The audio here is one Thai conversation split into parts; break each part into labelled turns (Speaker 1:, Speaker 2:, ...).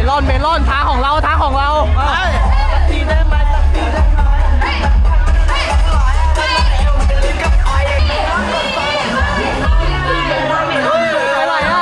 Speaker 1: ลอนทางของเราสักทีได้ไหมอะไรอ่ะ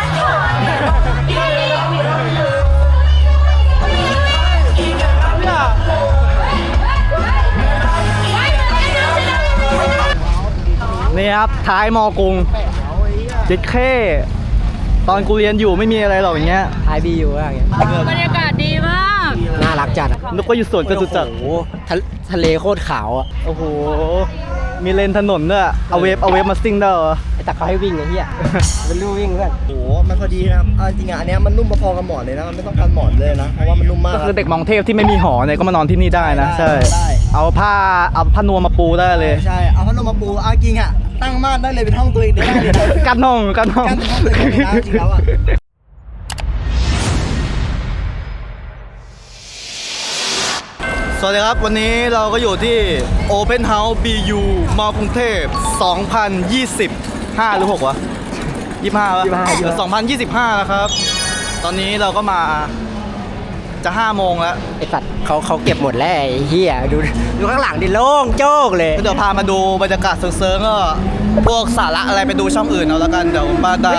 Speaker 1: นี่ครับท้ายมอกรุงเจ็ดเข้ตอนกูเรียนอยู่ไม่มีอะไรหรอกอย่างเงี้ย
Speaker 2: ท้ายบีอยู่อะไรเงี้ย
Speaker 3: บรรยากาศดีมาก
Speaker 2: น่ารักจัด
Speaker 1: นึกว่าอยู่สวนจตุจักร
Speaker 2: โอ้โหทะเลโคตรขาวอ่ะ
Speaker 1: โอ้โหมีเลนถนนด้วยเอาเวฟมาซิ่งได้เหรอ
Speaker 2: แต่เขาให้วิ่งไอ้เหี้ยเป็นลู่วิ่งเพื่อน
Speaker 4: โอ้โหมันพอดีนะครับจริงๆอันนี้มันนุ่มพอๆกับหมอนเลยนะมันไม่ต้องการหมอนเลยนะเพราะว่ามันนุ่มมาก
Speaker 1: ก็คือเด็กมองเทพที่ไม่มีหอเนี่ยก็มานอนที่นี่ได้นะใช่เอาผ้านวมมาปูได้เลย
Speaker 4: ใช่เอาพัดลมมาปูจริงอ่ะตั้งม่านได้เลยเป็นห้องตัวเองได้เลย
Speaker 1: กันห้อง
Speaker 4: กันห้องเลยนะจริงแล้วอ่ะ
Speaker 1: สวัสดีครับวันนี้เราก็อยู่ที่ Open House BU มอกรุงเทพ2025หรือ6วะ25วะ2025นะครับ ตอนนี้เราก็มาจะ5โมงแล้ว
Speaker 2: ไอ้สัตว์เขาเก็บหมดแล้วไอ้เหี้ยดูข้างหลังดิโล่งโจ๊กเลย
Speaker 1: เดี๋ยวพามาดูบรรยากาศเซิร์ฟก็พวกสาระอะไรไปดูช่องอื่นเอาแล้วกันเดี๋ยวบ้านดา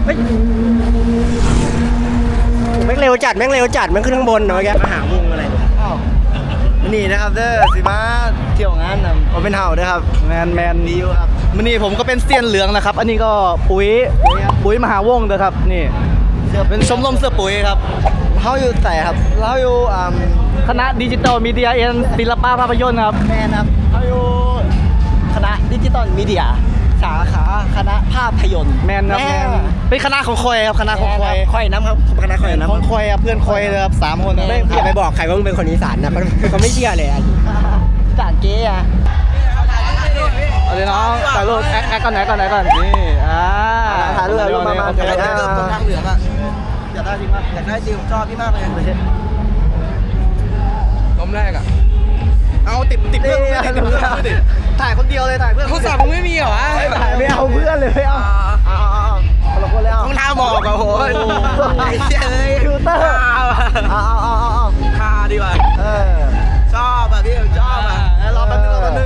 Speaker 2: แม่งเร็วจัดแม่งขึ้นข้างบนเนาะแก
Speaker 4: มาหาวงอะไรนี่นะครับเด้อสิมาเที่ยวงานนะเป็นเห่าด้วยครับ
Speaker 1: แมน
Speaker 4: ดีอยู่ครับ
Speaker 1: มันนี่ผมก็เป็นเซียนเหลืองนะครับอันนี้ก็ปุ๋ยมหาวงศ์นะครับนี่เป็นชมรมเสื้อปุ๋ยครับ
Speaker 4: เขาอยู่แต่ครับเราอยู่
Speaker 1: คณะดิจิตอลมีเดียเอ็นศิลปะภาพยนตร์ครับ
Speaker 4: แม่ครับเขาอยู่คณะดิจิตอลมีเดียสาขาคณะภาพยนตร์
Speaker 1: แมนเป็นคณะของคอยครับคณะของคอย
Speaker 4: คอยน้ำครับคณะคอยน้ำ
Speaker 1: ของคอยครับเพื่อนคอยเลยครับ3 คน
Speaker 2: ไม่อย่าไปบอกใครว่ามึงเป็นคนอีสานนะเขาไม่เชื่อเลย
Speaker 4: จานเก๊อะ
Speaker 1: เอาเลยน้องถ่ายรูปแอคก่อนนี่
Speaker 4: ถ่ายรูปมา
Speaker 1: ถ่าย
Speaker 4: รูปบนทางเหลืองอะอยากได้จริงป่ะอยากได้จริงชอบพี่มากเลย
Speaker 1: ล้มแรกอะเอาติดเพื่อนถ่ายคนเดียวเลยถ่ายเพื่อน
Speaker 2: เขาสั่งไม่มีเหรอ
Speaker 1: ถ่ายไม่เอาเพื่อนเลยไม่เอา
Speaker 4: เราคนแล้ว
Speaker 2: ต้องท่าหมอกอะโห
Speaker 1: ฟิลเตอร์
Speaker 4: ท่าดีกว่าชอบอ่ะพี่ชอบอ่ะ
Speaker 1: รอแป๊บนึง
Speaker 4: ชัว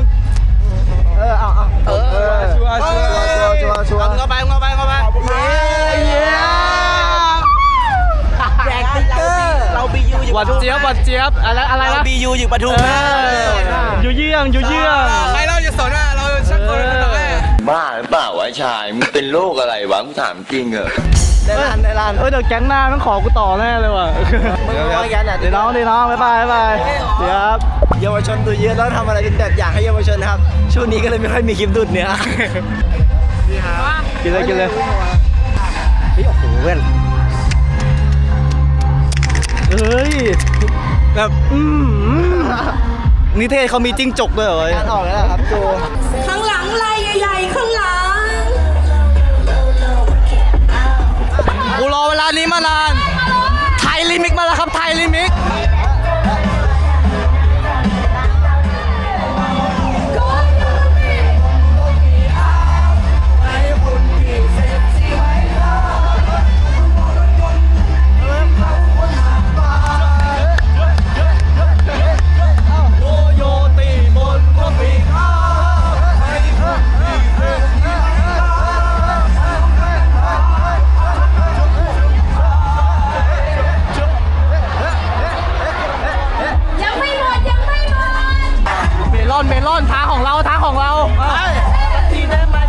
Speaker 1: เข้าไป
Speaker 4: แจกติ๊กเกอร์เราบียูอยู่
Speaker 1: หวานเจี๊ยบอะไรนะ
Speaker 4: บียูอยู่ปทุม
Speaker 1: อยู่เยี่ยง
Speaker 2: ใครเราจะสนอ่ะเราชักคนต่อไป
Speaker 5: บ้าหรือเปล่าวะชายมึงเป็นโรคอะไรวะมึงถามจริงเหรอ
Speaker 4: ในร้าน
Speaker 1: เดี๋ยวแก๊งหน้ามันขอกูต่อแน่เลยว่ะเดี๋ยวน้องบ๊ายบายเดี๋ยวครับ
Speaker 4: เยาวชนดูเยอะแล้วทำอะไรเป็นแบบอย่างให้เยาวชนนะครับช่วงนี้ก็เลยไม่ค่อยมีคลิปดุดเนื้อ
Speaker 1: กินเลย
Speaker 2: โอ้โหเพื่อน
Speaker 1: แบบนิเทศเขามีจิ้งจกด้วยเหรอ
Speaker 4: การออกแล้วครับโจ
Speaker 3: ข้างหลังลายใหญ่ๆข้างหลัง
Speaker 1: กูรอเวลานี้มานานไทยลิมิกมาแล้วครับไทยลิมิกเมลอนทางของเราสักทีได้ไหม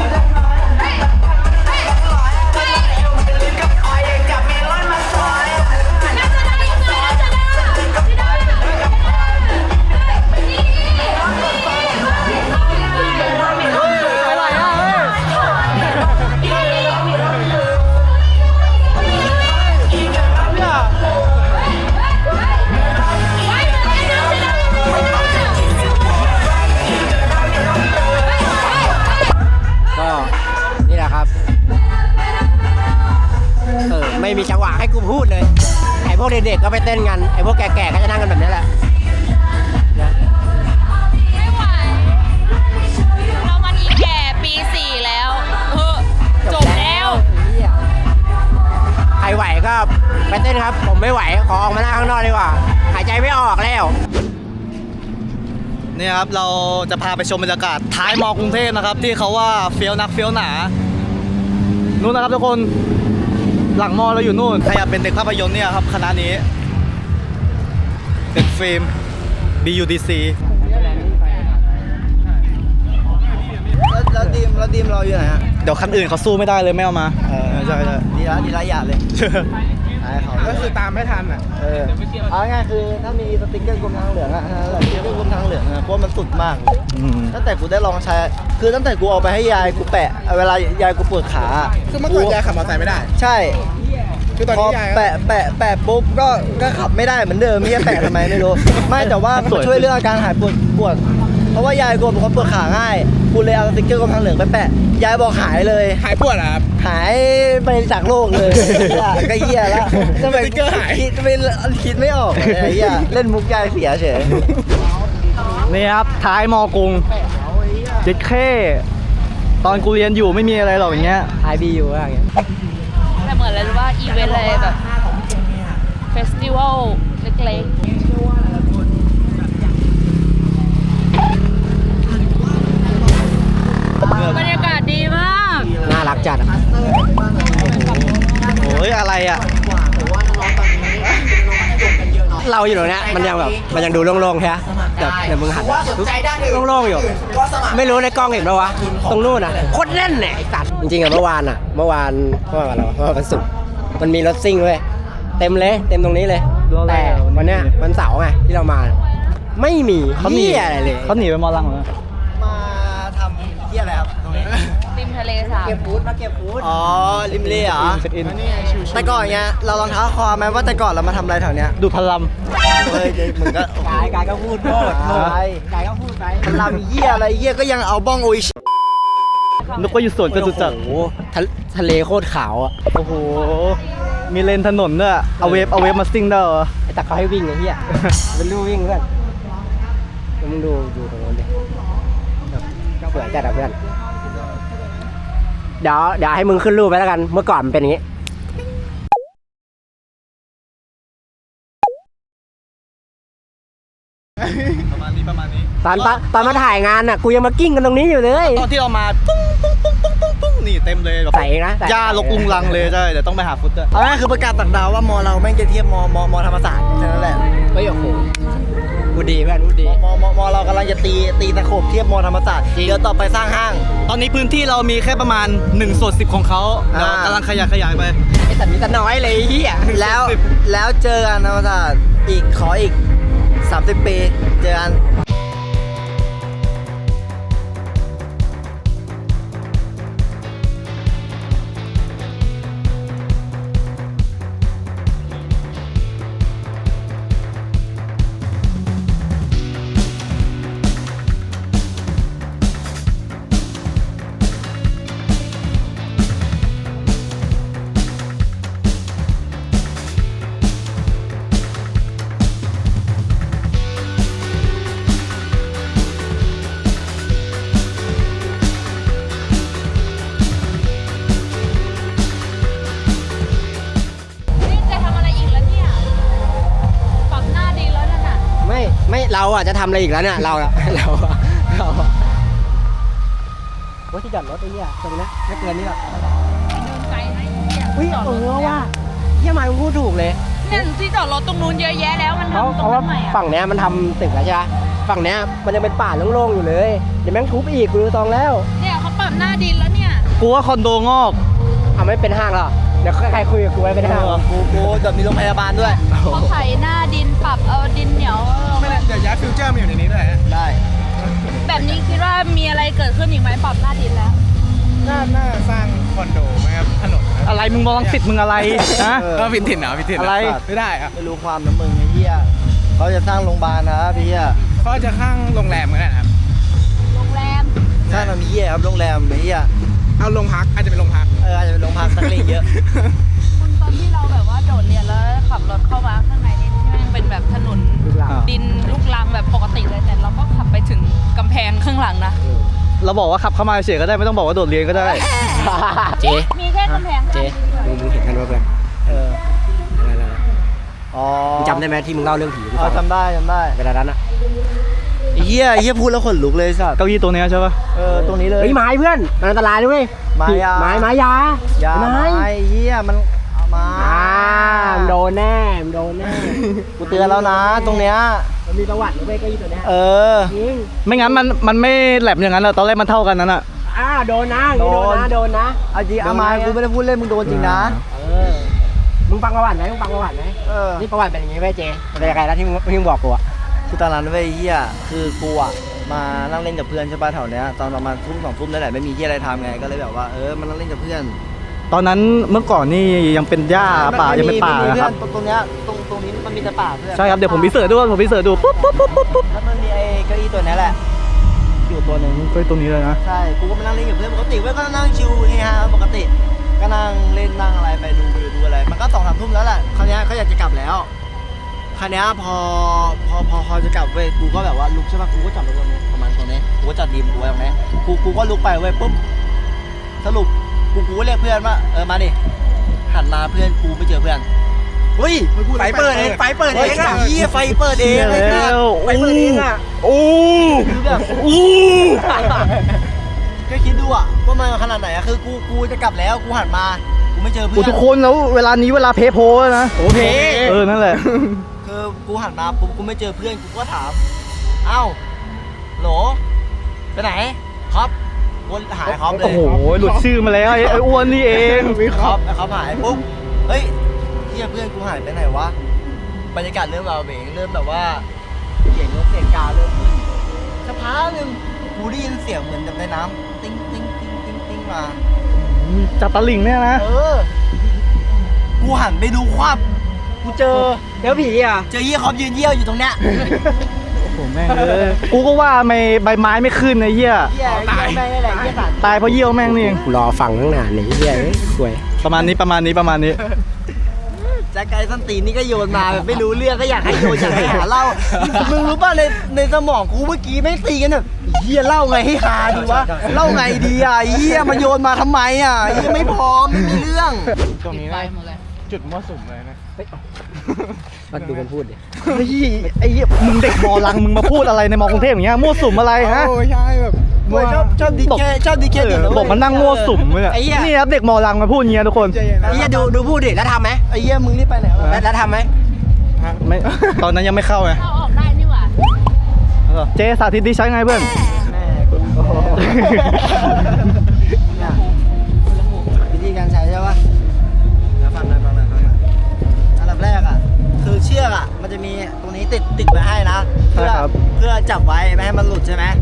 Speaker 2: ไม่มีจังหวะให้กูพูดเลยไอ้พวกเด็กๆก็ไปเต้นกันไอ้พวกแก่ๆก็จะนั่งกันแบบนี้แหละ
Speaker 3: ไม่ไหวเรามันอีแก่ปี 4แล้วจบแล้ว
Speaker 2: ใครไหวก็ไปเต้นครับ ผมไม่ไหวขอออกมาหน้าข้างนอกดีกว่าหายใจไม่ออกแล้ว
Speaker 1: เนี่ยครับเราจะพาไปชมบรรยากาศท้ายมอกรุงเทพนะครับที่เขาว่าเฟี้ยวนักเฟี้ยวหนานู่นนะครับทุกคนหลังมอเราอยู่นู่นใครอยากเป็นเด็กภาพยนตร์เนี่ยครับคณะนี้เด็กฟิล์ม BUDC
Speaker 4: แล้วดีมเราอยู่ไหนฮะ
Speaker 1: เดี๋ยวคันอื่นเขาสู้ไม่ได้เลยไม่เอามาใช่
Speaker 4: ดีละอย่าเลยขายเขา
Speaker 2: ก็คือตามไม่ทันอ่ะ
Speaker 4: เอาง่ายๆคือถ้ามีสติ๊กเกอร์กรมทางเหลืองอะสติ๊กเกอร์กรมทางเหลืองอะเพราะมันสุดมาก ตั้งแต่กูได้ลองใช้คือตั้งแต่กูเอาไปให้ยายกูแปะเวลายายกูปวดขา
Speaker 2: คือเมื่อก่อนยายขับมอเตอร์ไซค์ไม่ได้
Speaker 4: ใช่
Speaker 2: คือตอน
Speaker 4: พอ
Speaker 2: นี้ยาย
Speaker 4: แปะปุ๊บก็ขับไม่ได้เหมือนเดิมไม่ใช่แปะทำไมไม่รู้ ไม่แต่ว่ามันช่วยเรื่องอาการหายปวดเพราะว่ายายกูเป็นคนปวดขาง่ายกูเลยเอาสติ๊กเกอร์กรมทางเหลืองไปแปะยายบอกหายเลย
Speaker 2: หายปวดเหรอครับ
Speaker 4: หายไปจากโลกเลยก็เหี้ยแล้วทำไม
Speaker 2: สติ๊กเกอร์หาย
Speaker 4: คิดไม่ออกเลยไอ้เหี้ยเล่นมุกยายเสียเฉย
Speaker 1: นี่ครับท้ายมอกรุงเด็กเข้ตอนกูเรียนอยู่ไม่มีอะไรหรอกอย่างเงี้ย
Speaker 4: ไอบีอยู่อะไรเงี้ย
Speaker 3: แต่เหมือนอะไรรู้ว่าอีเวนต์อะไรแบบเฟสติวัลเล็กๆบรรยากาศดีมาก
Speaker 2: น่ารักจัดอะ
Speaker 1: โอ้ยอะไรอ่ะ
Speaker 2: เราอยู่ตรงเนี้ยมันยังดูโล่งๆใช่ไหมแต่เดี๋ยวมึงหันโล่งๆอยู่ ไม่รู้ในกล้องเห็นปะวะตรงนู้นอ่ะโคตรแน่นเนี่ยไอ้สัตว์จริงๆอะเมื่อวานอะไรวะเมื่อวานวันศุกร์มันมีรถซิ่งด้วยเต็มตรงนี้เลย แต่วันเนี้ยวันเสาร์ไงที่เรามา ไม่มี
Speaker 1: เขาหนี
Speaker 2: เหี้ยอะไรเลย
Speaker 1: เขาหนีไปมอลังเหรอ
Speaker 4: มาทำเหี้ยอะไรครับตรงนี้
Speaker 3: ริมทะเลสาบ
Speaker 4: เก็บฟูดอ๋อริมเล่เหรอ
Speaker 1: เช็คอิน
Speaker 4: แต่ก่อนเงี้ยเราลองเท้าคอไหมว่าแต่ก่อนเรามาทำอะไรแถวเนี้ย
Speaker 1: ดูพลัม
Speaker 4: เฮ้ยมึงก็
Speaker 2: กายก็พูดโทษ กายก็พูดไป
Speaker 4: มันลำเหี้ยอะไรเหี้ยก็ยังเอาบ้องโออิชิ
Speaker 1: นึกว่าอยู่สวนจตุจักร
Speaker 2: โอ้โหทะเลโคตรขาวอ่ะ
Speaker 1: โอ้โหมีเลนถนนด้วยเอาเวฟมาซิ่งได้เหรอ
Speaker 2: ไอ้ตักเขาให้วิ่งไอ้เหี้ยเป็นลู่วิ่งเพื่อนแล้วมึงดูตรงนู้นดิสวยจัดอ่ะเพื่อนเดี๋ยวให้มึงขึ้นรูปไปแล้วกัน เมื่อก่อนมันเป็นอย่างงี้
Speaker 1: ประมาณนี้
Speaker 2: ตอนมาถ่ายงานอ่ะกูยังมากิ้งกันตรงนี้อยู่เลย
Speaker 1: ตอนที่เรามาปุ้งนี่เต็มเลยแบบ
Speaker 2: ใส่นะ
Speaker 1: หญ้ารกลุงลังเลยใช่เดี๋ยวต้องไปหาฟุตด้วย
Speaker 4: เอาง่ายคือประกาศต่างดาวว่ามอเราแม่งจะเทียบมอธรรมศาสตร์แค่นั้นแหละ
Speaker 2: เฮ้ยโอ้โหพูดดีเพื่อนพูดดี
Speaker 4: มเรากำลังจะตีตะขบเทียบมอธรรมศาสตร์
Speaker 2: จริง
Speaker 4: เดี๋ยวต่อไปสร้างห้าง
Speaker 1: ตอนนี้พื้นที่เรามีแค่ประมาณ1/10ของเขาเดี๋ยวกำลังขยายไป
Speaker 2: ไอ้สัตว์มีแต่น้อยเลยไอ้เหี้ย
Speaker 4: แล้วเจอกันธรรมศาสตร์ขออีก30 ปีเจอกัน
Speaker 3: นี่จะทำอะไรอีกแล้วเนี่ยปรับหน้าดีแล้วนั่นน่ะ
Speaker 2: ไม่เราอ่ะจะทำอะไรอีกแล้วเนี่ยเราว่าที่จอดรถไอ้เหี้ยตรงนี้ไม่เกินนี่หรอก
Speaker 3: เดินไกลนะเนี่ย
Speaker 2: อุ้ย
Speaker 3: จอดรถ
Speaker 2: ว่าเหี้ยมาพูดถูกเลย
Speaker 3: เนี่ยที่จอดรถตรงนู้นเยอะแยะแล้วมัน
Speaker 2: เพราะ
Speaker 3: ทำตรง
Speaker 2: ว่า
Speaker 3: นั้นใหม่อ่ะ
Speaker 2: ฝั่งเนี้ยมันทำตึกแล้วใช่ไหมฝั่งเนี้ยมันยังเป็นป่าโล่งๆอยู่เลยเดี๋ยวแม่งทุบอีกกูดูตองแล้ว
Speaker 3: เนี่ยเขาปรับหน้าดินแล้วเนี่ย
Speaker 1: กูว่าคอนโดงอก
Speaker 2: ไม่เป็นห้างหรอเดี๋ยวใครคุยกับกูไว้เป็นห้าง
Speaker 4: กูแบบมีโรงพยาบาลด้วย
Speaker 3: เขาไถหน้าดินปรับเอาดินเหนียวเอา
Speaker 2: เดี๋ยวย้ายฟิวเจอร์มาอยู่ในนี้ด้วย
Speaker 4: ได้
Speaker 3: แบบนี้คิดว่ามีอะไรเกิดขึ้นอีกไหมปรับหน้าดินแล้ว
Speaker 2: น่าสร้างคอนโดไหมครับถนน
Speaker 1: อะไรมึงมองสิทธิ์มึงอะไรฮะ
Speaker 2: ก็พินถิ่นเหรอพินถิ่น
Speaker 1: อะไร
Speaker 2: ไม่ได้อะ
Speaker 4: ไม่รู้ความน้ำมึงไอ้เหี้ยเขาจะสร้างโรงพยาบาลนะพี่เหี้ย
Speaker 2: เขาจะข้างโรงแรมกันนะครับ
Speaker 3: โรงแรม
Speaker 4: สร้างทำเหี้ยครับโรงแรมไอ้เหี้ย
Speaker 2: เอาโรงพักอาจจะเป็นโรงพัก
Speaker 4: อาจจะเป็นโรงพักนักเลงเยอะ
Speaker 3: คุณตอนที่เราแบบว่าโดดเรียนแล้วขับรถเข้ามาข้างในนี่ที่แม่งเป็นแบบถนน
Speaker 2: ลูกหลาน
Speaker 3: ดินลูกรังแบบปกติเลยแต่เราก็ขับไปถึงกำแพงข้างหลังนะ
Speaker 1: เราบอกว่าขับเข้ามาเฉยก็ได้ไม่ต้องบอกว่าโดดเรียนก็ได้
Speaker 2: เจ๊
Speaker 3: มีแค่กำแพงข้าง
Speaker 2: เจ๊
Speaker 3: เดียว
Speaker 2: มึงเห็นกันว่าเพื่อน
Speaker 4: เออ
Speaker 2: ำได้ไหมที่มึงเล่าเรื่องผีกูฟัง
Speaker 4: จำได้
Speaker 2: เวลานั้นอะ
Speaker 4: ไอ้เหี้ยพูดแล้วขนลุกเลยสัตว์
Speaker 1: เก้าอี้ตัวเนี้ยใช่ปะ
Speaker 4: ตรงนี้เลย
Speaker 2: เฮ้ยไม้เพื่อนมันอันตรายด้วย
Speaker 4: ไม้ยา
Speaker 2: ไม้ยา
Speaker 4: อย่า
Speaker 2: ไม้
Speaker 4: ไม้เหี้ยมันเอามา
Speaker 2: มึงโดนแน่มึงโดนแน่
Speaker 4: กูเตือนแล้วนะตรงเนี้ย
Speaker 2: มันมีประวัติด้วยเก้าอี้ตัวเนี้ย จริง
Speaker 1: ไม่งั้นมันไม่แหลมอย่างนั้นหรอกตอนแรกมันเท่ากันนั้นอ่ะ
Speaker 2: โดนนะโดนนะ
Speaker 4: เอาจริงเอามากูไม่ได้พูดเล่นมึงโดนจริงนะ
Speaker 2: มึงฟังประวัติไหมนี่ประวัติเป็นอย่างงี้เว้ยเจเป็นยังไงนะที่มึงบอกกูอะ
Speaker 4: คือตอนนั้นเว้ยเหี้ยคือกูอ่ะมานั่งเล่นกับเพื่อนใช่ป่ะแถวเนี้ยตอนประมาณทุ่ม2 ทุ่มนั่นแหละไม่มีเหี้ยอะไรทำไงก็เลยแบบว่ามานั่งเล่นกับเพื่อน
Speaker 1: ตอนนั้นเมื่อก่อนนี่ยังเป็นหญ้าป่ายังเป็นป่า
Speaker 4: ไม่มี
Speaker 1: นะครับ
Speaker 4: เพื่อนตรงเนี้ยตรงนี้มันมีแต่ป่าเพื่อน
Speaker 1: ใช่ครับเดี๋ยวผมพิเศษดูปุ๊บ
Speaker 4: แล้วมันมีไอ้เก้าอี้ตัวนี้แหละอยู่ตัวหนึ่ง
Speaker 1: เฮ้ยตรงนี้เลยนะ
Speaker 4: ใช่กูก็มานั่งเล่นกับเพื่อนปกติเว้ยก็นั่งชิวเฮฮาปกติก็นั่งเล่นนั่งอะไรไปดูวิวดูอะไรมันก็2-3 ทุ่มแล้วแหละคราวเนี้ยเขาอยากจะกลับแล้วคราวเนี้ยพอจะกลับเว้ยกูก็แบบว่าลุกใช่ป่ะกูก็จอดรถตรงนี้ประมาณตรงนี้กูก็จอดดีมกูไว้ตรงนี้กูก็ลุกไปเว้ยปุ๊บสรุปกูก็เรียกเพื่อนว่ามาดิหันมาเพื่อนกูไปเจอเพื่อนเฮ้ย
Speaker 2: ไฟเปิดเองอะ
Speaker 4: เหี้ยไฟเปิดเองเลยนะ
Speaker 2: ไฟเปิดเองอะ
Speaker 1: โอ้
Speaker 4: คือแบบก็คิดดูอะว่ามันขนาดไหนอะคือกูจะกลับแล้วกูหันมากูไม่เจอเพื่
Speaker 1: โห
Speaker 4: อน
Speaker 1: ทุกคนแล้วเวลานี้เวลาเพโพแล้วนะโอ้เพนั่นแหละ
Speaker 4: คือกูหันมาปุ๊บกูไม่เจอเพื่อนกูก็ถามเอ้าโหลไปไหนครับวนหายครับเล
Speaker 1: โอ้
Speaker 4: ย
Speaker 1: โหหลุดชื่อมาแล้วไอ้อ้วนนี่เอง
Speaker 4: ครับเขาหายปุ๊บเฮ้ยเฮียเพื่อนกูหายไปไหนวะบรรยากาศเริ่มเบาเบงเริ่มแบบว่าเสียงกาเริ่มขึ้นสักพักหนึ่งกูได้ยินเสียงเหมือนแบบในน้ำติ้งติ้งติ้งติ้งติ้งมา
Speaker 1: จับตะลิงเนี่ยนะ
Speaker 4: กูหันไปดูควับกูเจอ
Speaker 2: แล้วผีอะ
Speaker 4: เจอเยี่ยคอมยืนเยี่ยวอยู่ตรงเนี้ย
Speaker 1: โอ้โหแม่งเลยกูก็ว่าไม่ใบไม้ไม่ขึ้นไอ้เหี้ย
Speaker 4: เยี่ยแม่งนี่แหละเยี่ยสัน
Speaker 1: ตายเพราะเยี่ยวแม่งนี่เอง
Speaker 2: กูรอฟังตั้งนานเลยเฮียคุย
Speaker 1: ประมาณนี้
Speaker 4: แจ็คไก่ส้นตีนนี่ก็โยนมาแบบไม่รู้เรื่องก็อยากให้โยนอยากให้หาเล่ามึงรู้ป่ะในสมองกูเมื่อกี้ไม่งตีกันแบบเฮียเล่าไงให้ฮาดีวะเล่าไงดีอ่ะเฮียมาโยนมาทำไมอ่ะเฮียไม่พร้อมไม่มีเรื่อง
Speaker 1: ตรงนี้
Speaker 3: ไป
Speaker 1: นะ
Speaker 3: หมดเลย
Speaker 1: จุดมั่วสุมเลยนะ
Speaker 2: มาดูมันพูดดิ
Speaker 1: เฮ้ยไอ้เหี้ยมึงเด็กมอลังมึงมาพูดอะไรในมอกรุงเทพอย่างเงี้ยมั่วสุมอะไรฮะ
Speaker 2: ใช่แบบ
Speaker 4: มวยชอบดีแค่เดี๋ยวนะ
Speaker 1: บอกมันนั่งมั่วสุมเลย
Speaker 2: ไอ้เหี้ย
Speaker 1: นี่ครับเด็กมอลังมาพูดอย่างเงี้ยทุกคน
Speaker 2: ไอ้เฮียดูพูดดิแล้วทำไหม
Speaker 4: ไอ้เหี้ยมึงรีบไปไหนวะ
Speaker 2: แล้วทำไหม
Speaker 1: ไม่ตอนนั้นยังไม่เข้าไง
Speaker 3: เราออกได้นี่หว่า
Speaker 1: เจสาธิตดีใช้ไงเพื่อน
Speaker 4: แม่กูเนี่ยวิธีการใช้ใช่ปะเดี๋ยวฟังหน่อยอันดับแรกอ่ะคือเชือกอ่ะมันจะมีตรงนี้ติดไว้ให้นะเพื่อจับไว้ไม่ให้มันหลุดใช่ไหม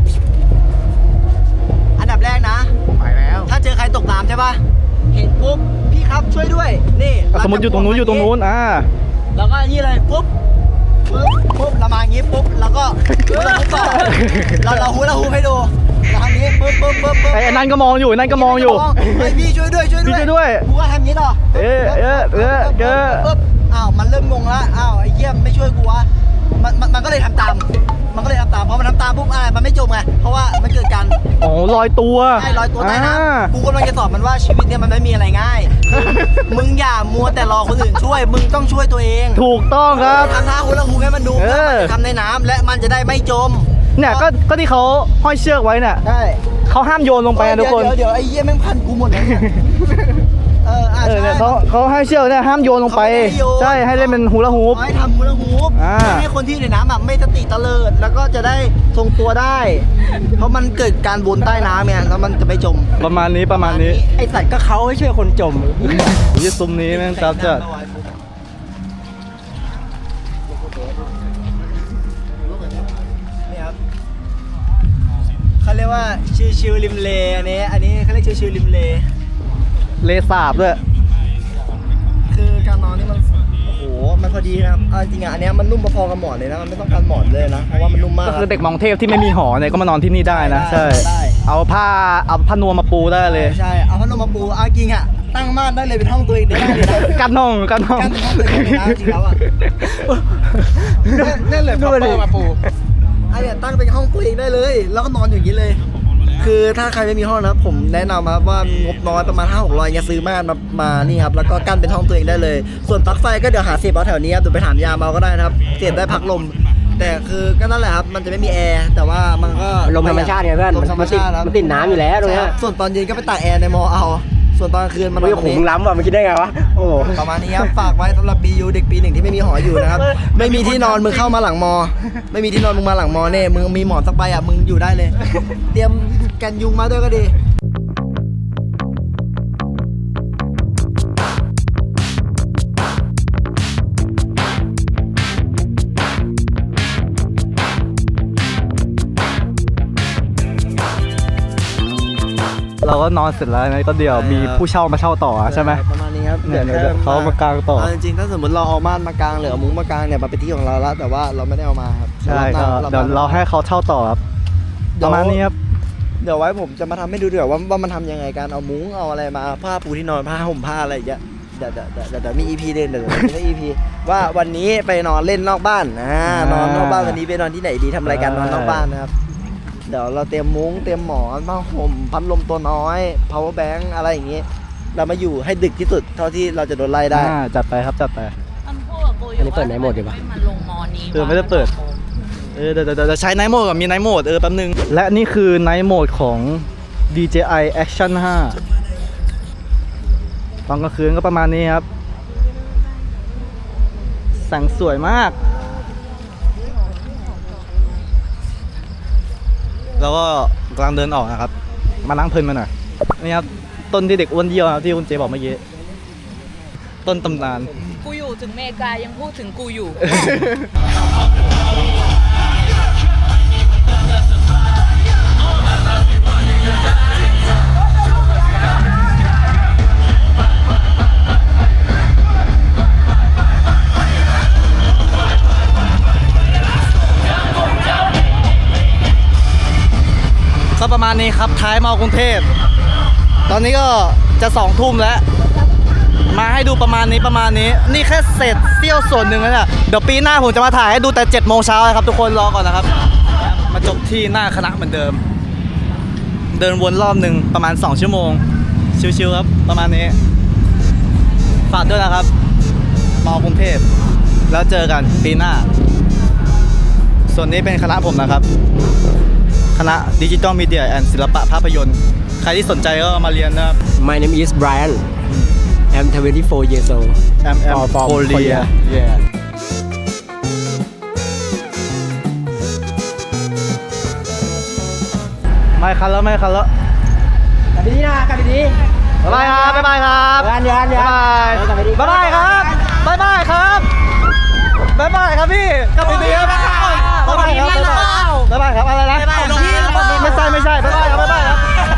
Speaker 4: อันดับแรกนะ
Speaker 1: ไปแล้ว
Speaker 4: ถ้าเจอใครตกน้ำใช่ปะเห็นปุ๊บพี่ครับช่วยด้วยนี่
Speaker 1: สมมติอยู่ตรงนู้น
Speaker 4: แล้วก็นี่เลยปุ๊บเรามาอย่างงี้ปุ๊บแล้วก็เราฮู้ให้ดูเราทำนี้ปุ๊บ
Speaker 1: ไอ้นั่นก็มองอยู่
Speaker 4: เฮ้ยพี่ช่วยด้วย
Speaker 1: พี่ช่วยด้วย
Speaker 4: กูก็ทำงี้ต่อปุ๊บอ้าวมันเริ่มงงแล้วอ้าวไอ้เหี้ยไม่ช่วยกูวะมันก็เลยทำตามเพราะมันทำตามปุ๊บอะไรมันไม่จมไงเพราะว่ามันเกิดการ
Speaker 1: อ๋อลอยตัว
Speaker 4: ใช่ลอยตัวใต้น้ำกูกำลังจะสอนมันว่าชีวิตเนี่ยมันไม่มีอะไรง่าย มึงอย่ามัวแต่รอคนอื่นช่วย มึงต้องช่วยตัวเอง
Speaker 1: ถูกต้องครับ
Speaker 4: ทำท่าฮูลาฮูปให้มันดูเพื่อมันจะทำในน้ำและมันจะได้ไม่จม
Speaker 1: เนี่ยก็ที่เขาห้อยเชือกไว้เนี่ย
Speaker 4: ใช่
Speaker 1: เขาห้ามโยนลงไปนะทุกคน
Speaker 4: เดี๋ยวไอ้เหี้ยแม่งพันกูหมดเลยเนี่ยใช่
Speaker 1: เนี่ยเขาให้เชือกเนี่ยห้ามโยนลงไป ใช่ให้เล่นเป็นฮูลาฮูป
Speaker 4: ให้ทำฮูลาฮูปให้คนที่อยู่ในน้ำแบบไม่สติตะเลิดแล้วก็จะได้ทรงตัวได้ เพราะมันเกิดการวนใต้น้ำไงแล้วมันจะไม่จม
Speaker 1: ประมาณนี้
Speaker 2: ไอสัตว์ก็เขาให้ช่วยคนจม
Speaker 1: ยี่ซุ้มนี้แม่งจับจัด
Speaker 4: นี่ครับเขาเรียกว่าชิวๆริมเลอันนี้เขาเรียกชิวๆริมเล
Speaker 1: เลสาบด้วย
Speaker 4: คือการนอนนี่มันโอ้โหมันพอดีนะครับเอาจริงอ่ะอันเนี้ยมันนุ่มพอๆกับหมอนเลยนะมันไม่ต้องการหมอนเลยนะเพราะว่ามันนุ่มมาก
Speaker 1: ก็คือเด็กมองเทพที่ไม่มีหอเนี่ยก็มานอนที่นี่ได้นะ ใช่ เอาผ้านวมมาปูได้เลย
Speaker 4: ใช่เอาพัดลมมาปูเอาจริงอ่ะตั้งม่านได้เลยเป็นห้องตัวเองได้เลยนะ
Speaker 1: กันห้อง
Speaker 4: กั้นห้องตัวเองได้จริงแล้วอ่ะนั่นเลยพัดลมมาปูอันเนี้ยตั้งเป็นห้องตัวเองได้เลย แล้วก็นอนอย่างนี้เลยคือถ้าใครไม่มีห้องนะครับผมแนะนำครับว่างบน้อยประมาณ 5-600เงี้ยซื้อม่านมานี่ครับแล้วก็กั้นเป็นห้องตัวเองได้เลย ส่วนปลั๊กไฟก็เดี๋ยวหาเสียบเอาแถวนี้ครับเดี๋ยวไปถามยามเอาก็ได้นะครับเสียบได้พัดลม แต่คือก็นั่นแหละครับมันจะไม่มีแอร์แต่ว่ามันก็
Speaker 2: ลมธรรมชาติไงเพื่อน
Speaker 4: ลมธรรมชาติครับ
Speaker 2: มันติดน้ำอยู่แล้วตรงเนี้ย
Speaker 4: ใช่ส่วนตอนเย็นก็ไปตากแอร์ในมอเอา ส่วนตอนกลางคืนมันนอ
Speaker 2: เฮ้ย
Speaker 4: นตร
Speaker 2: โห
Speaker 4: ง
Speaker 2: มึ
Speaker 4: นี้
Speaker 2: งล้ำว่ะมันคิดได้ไงวะโอ้โห
Speaker 4: ประมาณนี้ครับฝากไว้สำหรับ BU เด็กปี 1ที่ไม่มีหออยู่นะครับ ไม่มีที่นอนมึงเข้ามาหลังมอ ไม่มีที่นอนมึงมาหลังมอเน่มึงมีหมอนสักใบอ่ะมึงอยู่ได้เลย เตรียมกันยุงมาด้วยก็ดี
Speaker 1: เราก็นอนเสร็จแล้วนะก็เดี๋ยวมีผู้เช่ามาเช่าต่อใช่ไหม
Speaker 4: ประมาณนี้ครับ
Speaker 1: เนี่ยเดี๋ยวเขามากางต่อ
Speaker 4: เจริงๆถ้าสมมติเราเอาม่านมากางหรือเอามุ้งมากางเนี่ยมันเป็นที่ของเราแล้วแต่ว่าเราไม่ได้เอามาครับ
Speaker 1: ใช่ก็เดี๋ยวเราให้เขาเช่าต่อครับประมาณนี้ครับ
Speaker 4: เดี๋ยวไว้ผมจะมาทำให้ดูเดี๋ยวว่ามันทำยังไงการเอามุ้งเอาอะไรมาผ้าปูที่นอนผ้าห่มผ้าอะไรอย่างเงี้ยเดี๋ยวมี EP เด่นเดี๋ยวมี EP ว่าวันนี้ไปนอนเล่นนอกบ้านนอนนอกบ้านวันนี้ไปนอนที่ไหนดีทำรายการนอนนอกบ้านนะครับเดี๋ยวเราเตรียมมุ้งเตรียมหมอนผ้าห่มพัดลมตัวน้อย power bank อะไรอย่างงี้เรามาอยู่ให้ดึกที่สุดเท่าที่เราจะโดนไล่ได้
Speaker 1: จัดไปครับจัดไป
Speaker 3: มันพูดกับกูอยู่
Speaker 2: อันนี้เปิดไหนหมดดีปะ
Speaker 3: ให้มันลงมอนี้
Speaker 1: ไม่ได้เปิด เดี๋ยวใช้ไนท์โหมดกับมีไนท์โหมดแป๊บนึงและนี่คือไนท์โหมดของ DJI Action 5 ตอนกลางคืนก็ประมาณนี้ครับแสงสวยมาก แล้วก็กำลังเดินออกนะครับ มานั่งเพลินมาหน่อยนี่ครับต้นที่เด็กอ้วนเยี่ยวนะครับที่คุณเจบอกเมื่อกี้ต้นตำนาน
Speaker 3: กูอยู่ถึงเมกายังพูดถึงกูอยู่
Speaker 1: ก็ประมาณนี้ครับท้ายมอกรุงเทพตอนนี้ก็จะ2 ทุ่มแล้ว มาให้ดูประมาณนี้นี่แค่เศษเสี้ยวส่วนหนึ่งแล้วเนี่ยเดี๋ยวปีหน้าผมจะมาถ่ายให้ดูแต่7 โมงเช้าครับทุกคนรอก่อนนะครับ มาจบที่หน้าคณะเหมือนเดิม เดินวนรอบหนึ่งประมาณ2 ชั่วโมงชิวๆครับประมาณนี้ฝากด้วยนะครับมอกรุงเทพแล้วเจอกันปีหน้า ส่วนนี้เป็นคณะผมนะครับคณะดิจิตอลมีเดียแอนด์ศิลปะภาพยนตร์ใครที่สนใจก็มาเรียนนะครับ
Speaker 2: My name is Brian I'm 24 years old from Korea
Speaker 1: yeah ไม่คันแล้ว
Speaker 2: กลับไปดีนะกลับไปดี
Speaker 1: บ๊ายบายครับบ๊ายบายครับ
Speaker 2: เดี๋ยว
Speaker 1: บ๊ายบายครับบ๊ายบายครับบ๊ายบายครับพี่กลับไปดีครับบ๊ายบายครับ